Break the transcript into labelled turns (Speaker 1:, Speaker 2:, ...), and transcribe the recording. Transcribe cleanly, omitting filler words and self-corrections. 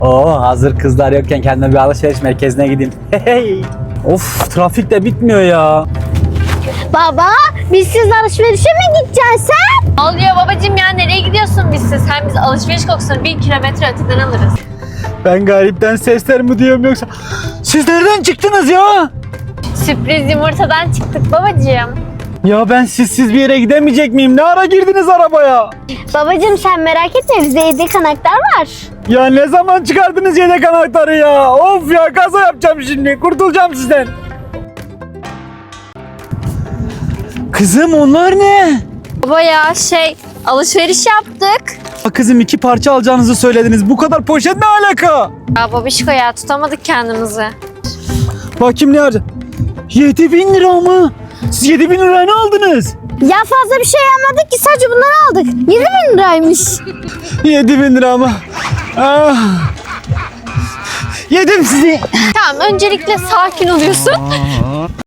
Speaker 1: Oo, hazır kızlar yokken kendime bir alışveriş merkezine gideyim. Hey. Of, trafik de bitmiyor ya.
Speaker 2: Baba, biz siz alışverişe mi gideceksin sen?
Speaker 3: Ne oluyor babacığım ya, nereye gidiyorsun bizsiz? Hem biz alışveriş kokusunu 1 kilometre öteden alırız.
Speaker 1: Ben garipten sesler mi duyuyorum yoksa? Siz nereden çıktınız ya?
Speaker 3: Sürpriz yumurtadan çıktık babacığım.
Speaker 1: Ya ben sizsiz bir yere gidemeyecek miyim? Ne ara girdiniz arabaya?
Speaker 2: Babacığım sen merak etme, bizde yedek anahtar var.
Speaker 1: Ya ne zaman çıkardınız yedek anahtarı ya? Of ya, kaza yapacağım şimdi. Kurtulacağım sizden. Kızım, onlar ne?
Speaker 3: Baba ya alışveriş yaptık.
Speaker 1: Kızım, 2 parça alacağınızı söylediniz. Bu kadar poşet ne alaka?
Speaker 3: Ya babişko ya, tutamadık kendimizi.
Speaker 1: Bakayım ne harca? 7.000 lira mı? Siz 7.000 liraya ne aldınız?
Speaker 2: Ya fazla bir şey almadık ki, sadece bunları aldık. 7.000 liraymış.
Speaker 1: 7.000 lira mı? Ah. Yedim sizi.
Speaker 3: Tamam, öncelikle sakin oluyorsun.